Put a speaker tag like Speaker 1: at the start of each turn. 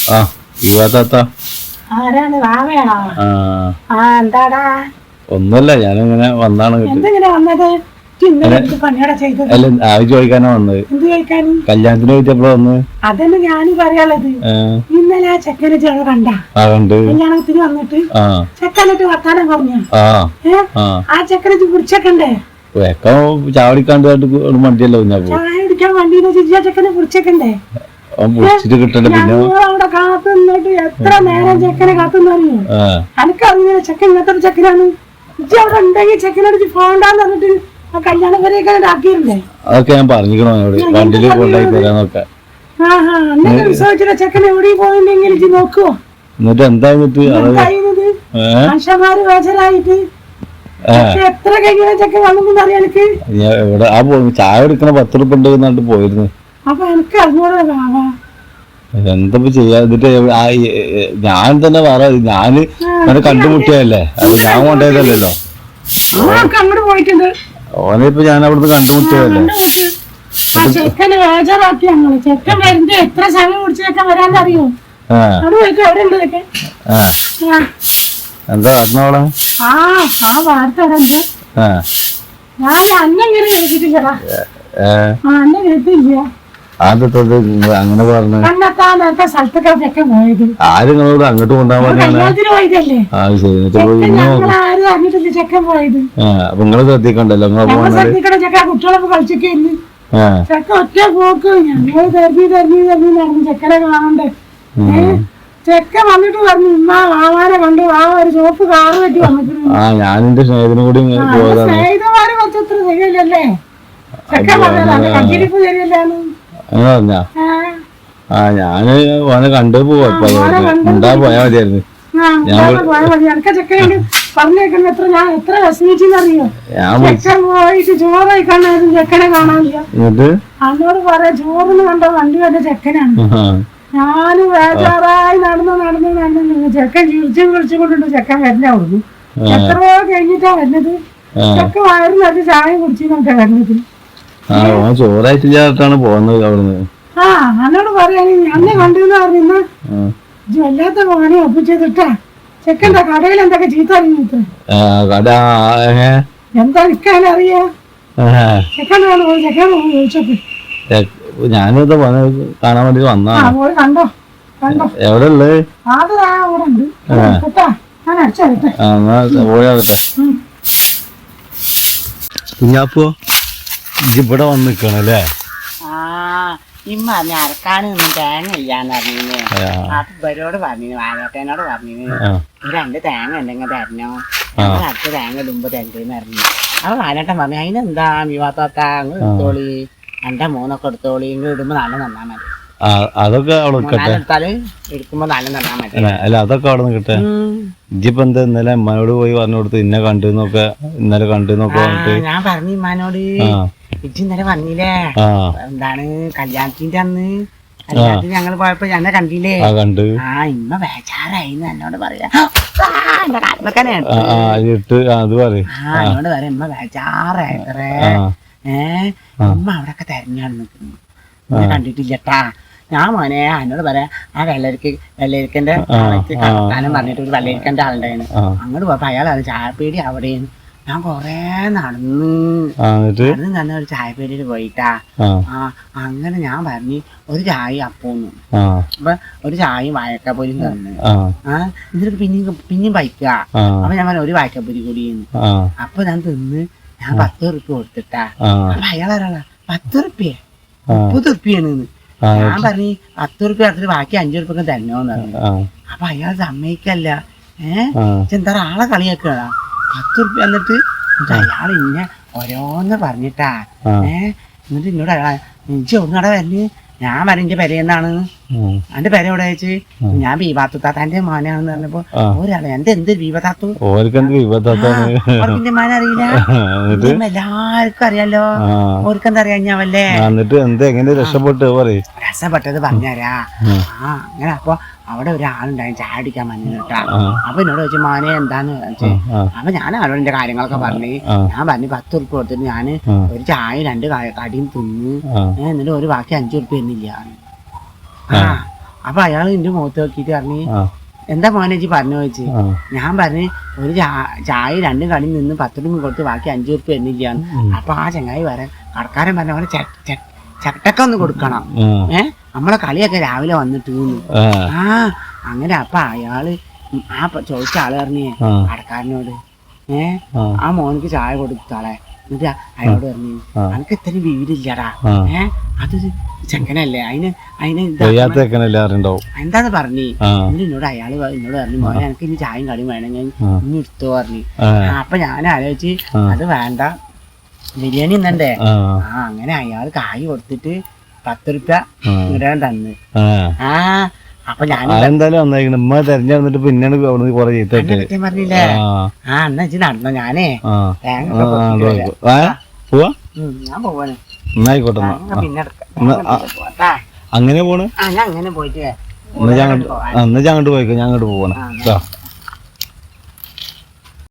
Speaker 1: ആ താത്ത
Speaker 2: ആരാണ് വാവയാണോ? ആ എന്താടാ?
Speaker 1: ഒന്നുമല്ല, ഞാനിങ്ങനെ വന്നാണ്.
Speaker 2: എന്തെങ്ങനെ വന്നത്? പണിയോടെ ചെയ്തത്
Speaker 1: അല്ല, ആവി ചോദിക്കാനാ വന്നത്.
Speaker 2: എന്ത് ചോദിക്കാൻ?
Speaker 1: കല്യാണത്തിന് ചോദിച്ചപ്പോഴാ വന്നത്.
Speaker 2: അതന്നെ ഞാനും പറയാനുള്ളത്. ഇന്നലെ ആ ചെക്കനെ ചേട്ടൻ കണ്ട കല്യാണത്തിന് വന്നിട്ട് ചെക്കനിട്ട് വർത്താനം പറഞ്ഞു. ആ ചെക്കനെ കുടിച്ചേക്കണ്ടേ?
Speaker 1: ചാവടിക്കാണ്ട് മണ്ടിയല്ലോ.
Speaker 2: ചായ കുടിക്കാൻ വണ്ടിന്ന് ചിരിച്ച ചെക്കനെ കുടിച്ചേക്കണ്ടേ?
Speaker 1: കിട്ടണ്ട. പിന്നെ
Speaker 2: അവിടെ കാത്തു നിന്നിട്ട് എത്ര നേരം ചെക്കനെ കാത്തുന്നറിയോ? എനിക്കറിയില്ല ചെക്കൻ ഇങ്ങനത്തെ ഒരു ചെക്കനാണ്. അവിടെ ഉണ്ടെങ്കിൽ ചെക്കനോട് പോകണ്ടെന്ന് പറഞ്ഞിട്ട് ആ കല്യാണം വരെയൊക്കെ ആക്കിയിരുന്നേ.
Speaker 1: അതൊക്കെ ഞാൻ പറഞ്ഞിരിക്കണോ വണ്ടിയിൽ കൊണ്ടായി തരാന്നൊക്കെ.
Speaker 2: വിശ്വസിച്ചില്ല ചെക്കൻ എവിടെ പോയില്ലെങ്കിൽ ഇത് നോക്കുവോ?
Speaker 1: എന്നിട്ട് എന്താ
Speaker 2: മനുഷ്യന്മാര് വേചരായിട്ട് എത്ര കഴിഞ്ഞ ചെക്കൻ വന്നെന്ന് അറിയാം എനിക്ക്.
Speaker 1: എവിടെ ആ ചായ എടുക്കണ 10 രൂപ ഉണ്ട് പോയിരുന്നു.
Speaker 2: അപ്പൊ എനിക്ക് അറിഞ്ഞൂടാ വാവാ
Speaker 1: എന്താ ചെയ്യാ. എന്നിട്ട് ഞാൻ തന്നെ പറ, ഞാന് കണ്ടുമുട്ടിയല്ലേ, അത് ഞാൻ കൊണ്ടുപോയതല്ലോ.
Speaker 2: അങ്ങോട്ട് പോയിട്ടുണ്ട്.
Speaker 1: ഓനിപ്പോ ഞാൻ അവിടുന്ന് കണ്ടുമുട്ടിയതല്ലേ.
Speaker 2: ചെക്കന് വേജാറാക്കി ഞങ്ങള്. ചെക്കൻ വരുന്നത് എത്ര സമയം കുടിച്ച് ചെക്കൻ വരാനറിയോ? എവിടെ ഉണ്ട് ചെക്കൻ?
Speaker 1: എന്താ അറിഞ്ഞോളെ?
Speaker 2: ആ വാർത്ത ഉണ്ട്. ഞാൻ അന്നെങ്ങനെ കേട്ടിട്ടില്ലടാ. അന്നെ കേട്ടില്ല.
Speaker 1: അങ്ങനെ പറഞ്ഞു.
Speaker 2: സ്ഥലത്തൊക്കെ ചെക്കൻ പോയത്
Speaker 1: ആരുങ്ങളോട് അങ്ങോട്ട് കൊണ്ടുപോകാൻ
Speaker 2: കല്യാണത്തിന് പോയതല്ലേ? ആരും അറിഞ്ഞിട്ടില്ല ചെക്കൻ പോയത്.
Speaker 1: അപ്പൊ നിങ്ങള് ശ്രദ്ധിക്കണ്ടല്ലോ.
Speaker 2: ശ്രദ്ധിക്കണം. ചെക്കൻ കുട്ടികളൊക്കെ കളിച്ചൊക്കെ ഇന്ന് ചെക്കൻ ഒറ്റ പോക്ക്. ഞങ്ങള് തെരഞ്ഞു നടന്നു ചെക്കനെ കാണണ്ടേ. ചെക്കൻ വന്നിട്ട് പറഞ്ഞു ഉമ്മ വാവാനെ കണ്ടു. വാവ ഒരു ചോപ്പ് കാറ് കെട്ടി വന്നിട്ടുണ്ട്.
Speaker 1: ഞാനെന്റെ സ്നേഹത്തിനും കൂടി
Speaker 2: സ്നേഹിതന്മാര് കുറച്ചത്ര ശരിയല്ലല്ലേ? ചെക്കൻ പറഞ്ഞ കണ്ടിരിപ്പ് ശരിയല്ലാന്ന്.
Speaker 1: ഞാന് ഓനെ കണ്ടു പോവാ. പോയാ മതിയായിരുന്നു.
Speaker 2: പറഞ്ഞേക്കുന്ന എത്ര ഞാൻ എത്ര വിഷമിച്ചെന്നറിയോ? ചെക്കൻ പോയിട്ട് ചോറ് കഴിക്കാനായിരുന്നു ചെക്കനെ കാണാനില്ല. അന്നോട് പറയാ ചോറിന് കണ്ട വണ്ടി വന്ന ചെക്കനാണ്. ഞാനും വേജാറായി നടന്നു ചെക്കൻ വിളിച്ചുകൊണ്ടിട്ട് ചെക്കൻ വരണ അവിടുന്ന്. എത്രയോ കഴിഞ്ഞിട്ടാ വരുന്നത്. ചെക്കൻ വയറിൽ നല്ല ചായ കുടിച്ചിട്ടാ വരുന്നത്.
Speaker 1: ചോറായിട്ടാണ് പോകുന്നത് അവിടുന്ന്.
Speaker 2: എന്നോട് പറയാൻ അന്നെ കണ്ടെന്ന് പറഞ്ഞ വല്ലാത്ത പണി ഒപ്പിച്ചതിട്ടാ. ചെക്കൻ്റെ കടയിൽ എന്തൊക്കെ ചീത്ത അറിഞ്ഞിട്ട് എന്താ നിൽക്കാനറിയാ? ചെക്കനാണ് പോയി. ചെക്കൻ ചോദിച്ചപ്പോ
Speaker 1: ഞാനിത് കാണാൻ വേണ്ടി വന്നാ.
Speaker 2: കണ്ടോ കണ്ടോ
Speaker 1: എവിടെ ഉള്ളത്?
Speaker 2: അത് അവിടെ ഉണ്ട് കേട്ടാ. ഞാൻ അടിച്ചെടുത്തെ
Speaker 1: പോയാകട്ടെ. കുഞ്ഞാപ്പോ ഇവിടെ വന്ന് നിക്കണല്ലേ?
Speaker 3: ഇമ്മ പറഞ്ഞ അരക്കാണ് തേങ്ങ ഇല്ലാന്ന് പറഞ്ഞു. അപ്പൊ ഇവരോട് പറഞ്ഞു, വാനോട്ടേനോട് പറഞ്ഞു 2 തേങ്ങ ഉണ്ടെങ്കിൽ തരണോ, അടുത്ത തേങ്ങ ഇടുമ്പോ തരണ്ടെന്ന് പറഞ്ഞു. അപ്പൊ വാനോട്ടൻ പറഞ്ഞു അതിനെന്താ വിവാദത്താ അങ്ങ് എടുത്തോളി, 2-3 എടുത്തോളി, ഇങ്ങ് ഇടുമ്പോ നല്ല നന്നാ മതി.
Speaker 1: അതൊക്കെ
Speaker 3: എടുത്താല് എടുക്കുമ്പോ നല്ല നന്നാ മതി.
Speaker 1: അല്ല അതൊക്കെ അവിടെ നിൽക്കട്ടെ. ഇജിപ്പോ എന്താ ഇന്നലെ അമ്മയോട് പോയി പറഞ്ഞു കൊടുത്ത് ഇന്നെ കണ്ടുന്നൊക്കെ ഇന്നലെ കണ്ടുന്നൊക്കെ പറഞ്ഞിട്ട്?
Speaker 3: ഞാൻ പറഞ്ഞു ഇമ്മാനോട് ഇജ്ജ് ഇന്നലെ പറഞ്ഞില്ലേ എന്താണ് കല്യാണത്തിന്റെ അന്ന് കല്യാണത്തിന് ഞങ്ങള് പോയപ്പോ എന്നെ കണ്ടില്ലേ?
Speaker 1: കണ്ടു.
Speaker 3: ഇമ്മ ബേജാറായിന്ന് എന്നോട് പറയാ. എന്നോട് പറയാം ഇമ്മ ബേജാറായിട്ടേ. ഉമ്മ അവിടെയൊക്കെ തെരഞ്ഞാണ് നിൽക്കുന്നു, കണ്ടിട്ടില്ലട്ടാ. ഞാൻ മോനെ എന്നോട് പറയാം ആ വെള്ളരിക്കന്റെ കാലം പറഞ്ഞിട്ട് ഒരു വെള്ളരിക്കന്റെ ആളുണ്ടായിരുന്നു. അങ്ങോട്ട് പോയപ്പോ അയാളാണ് ചായപ്പേടി അവിടെയാണ്. ഞാൻ കൊറേ നടന്ന് തന്നെ ഒരു ചായപ്പേടിയിൽ പോയിട്ടാ. അങ്ങനെ ഞാൻ പറഞ്ഞു ഒരു ചായ അപ്പോന്നു. അപ്പൊ ഒരു ചായയും വാഴക്കപ്പൊരിയും തന്നു. എന്നിട്ട് പിന്നെയും പൈക്കുക. അപ്പൊ ഞാൻ പറഞ്ഞു ഒരു വാഴക്കപ്പൊരി കൂടിയെന്ന്. അപ്പൊ ഞാൻ തിന്ന് ഞാൻ 10 ഉറുപ്പ്യ കൊടുത്തിട്ടാ. അപ്പൊ അയാളാരാളാ 10 ഉറുപ്പ്യ 30 ഉറുപ്പ്യാണ്. ഞാൻ പറഞ്ഞു 10 ഉറുപ്പ്യ എടുത്തിട്ട് ബാക്കി 5 ഉറുപ്പ്യൊക്കെ തന്നോന്ന് പറഞ്ഞു. അപ്പൊ അയാൾ സമ്മതിക്കല്ല. എന്താ ആളെ കളിയാക്കണ 10 ഉറുപ്പ്യ എന്നിട്ട് അയാൾ ഇന്നെ ഓരോന്ന് പറഞ്ഞിട്ടാ. എന്നിട്ട് എന്നോട് അയാളെ എനിക്ക് ഒന്നട വരല്. ഞാൻ പറഞ്ഞു എന്റെ പെരയെന്നാണ്. എന്റെ പെര എവിടെ വെച്ച് ഞാൻ ബീവാത്തു താത്താന്റെ മോനാണെന്ന് പറഞ്ഞപ്പോ ഒരാളെ എന്ത് ബീവത്താത്തു മോനെ അറിയില്ല. എല്ലാവർക്കും അറിയാലോ. ഓർക്കെന്താ അറിയാഞ്ഞാവല്ലേ? രക്ഷപ്പെട്ടത് പറഞ്ഞാരാ. അങ്ങനെ അപ്പൊ അവിടെ ഒരാളുണ്ടായി ചായ അടിക്കാൻ വന്നു കേട്ടാ. അപ്പൊ എന്നോട് ചോദിച്ചു മോനെ എന്താന്ന് ചോദിച്ചു. അപ്പൊ ഞാൻ അവരോട് എന്റെ കാര്യങ്ങളൊക്കെ പറഞ്ഞു. ഞാൻ പറഞ്ഞു 10 ഉറുപ്പ്യ കൊടുത്തിട്ട് ഞാന് ഒരു ചായ 2 കടിയും തിന്നു. എന്നിട്ട് ഒരു ബാക്കി 5 ഉറുപ്പ്യ എന്നില്ല. അപ്പൊ അയാള് എന്റെ മുഖത്ത് നോക്കിയിട്ട് പറഞ്ഞു
Speaker 1: ആ
Speaker 3: എന്താ മോനെ ചേച്ചി പറഞ്ഞു ചോദിച്ചു.
Speaker 1: ആ
Speaker 3: ഞാൻ പറഞ്ഞു ഒരു ചായ 2 കടയിൽ നിന്ന് 10 രൂപ കൊടുത്ത് ബാക്കി 5 രൂപ എന്നില്ലാന്ന്. അപ്പൊ ആ ചങ്ങായി വരാൻ കടക്കാരൻ പറഞ്ഞ പോലെ ചട്ടക്ക ഒന്ന് കൊടുക്കണം, നമ്മളെ കളിയൊക്കെ രാവിലെ വന്നിട്ട് ആ അങ്ങനെ. അപ്പൊ അയാള് ആ ചോദിച്ച ആള് പറഞ്ഞേ കടക്കാരനോട് ആ മോനക്ക് ചായ കൊടുത്താളെ. എന്നിട്ട് അയാളോട് പറഞ്ഞു അനക്ക് ഇത്രയും വിവരില്ലടാ, അതൊരു ചെക്കനല്ലേ, എന്താന്ന് പറഞ്ഞു. എന്നിട്ട് എന്നോട് അയാള് എന്നോട് പറഞ്ഞു മോനെ എനിക്ക് ഇനി ചായയും കടിയും വേണമെങ്കിൽ ഇനി എടുത്തോ പറഞ്ഞു. അപ്പൊ ഞാൻ ആലോചിച്ച് അത് വേണ്ട, ബിരിയാണി ഇന്നണ്ടേ. അങ്ങനെ അയാള് കായ് കൊടുത്തിട്ട് 10 രൂപ ഇടാൻ തന്ന്. അപ്പൊ ഞാൻ
Speaker 1: എന്തായാലും വന്നേക്കണം ഉമ്മ തെരഞ്ഞെടുത്തിട്ട് പിന്നെയാണ് കൊറേ ചീത്ത
Speaker 3: പറഞ്ഞില്ലേ. എന്നാ വെച്ച് നടന്നോ, ഞാനേ
Speaker 1: പോവാ.
Speaker 3: ഞാൻ പോവാണ്.
Speaker 1: എന്നായിക്കോട്ടെ
Speaker 3: പിന്നെ
Speaker 1: അങ്ങനെ പോണ്.
Speaker 3: ഞാൻ അങ്ങനെ പോയിട്ട്
Speaker 1: എന്നാ ഞാൻ അങ്ങോട്ട് പോയിക്കോ, ഞാൻ അങ്ങോട്ട് പോവാണ്.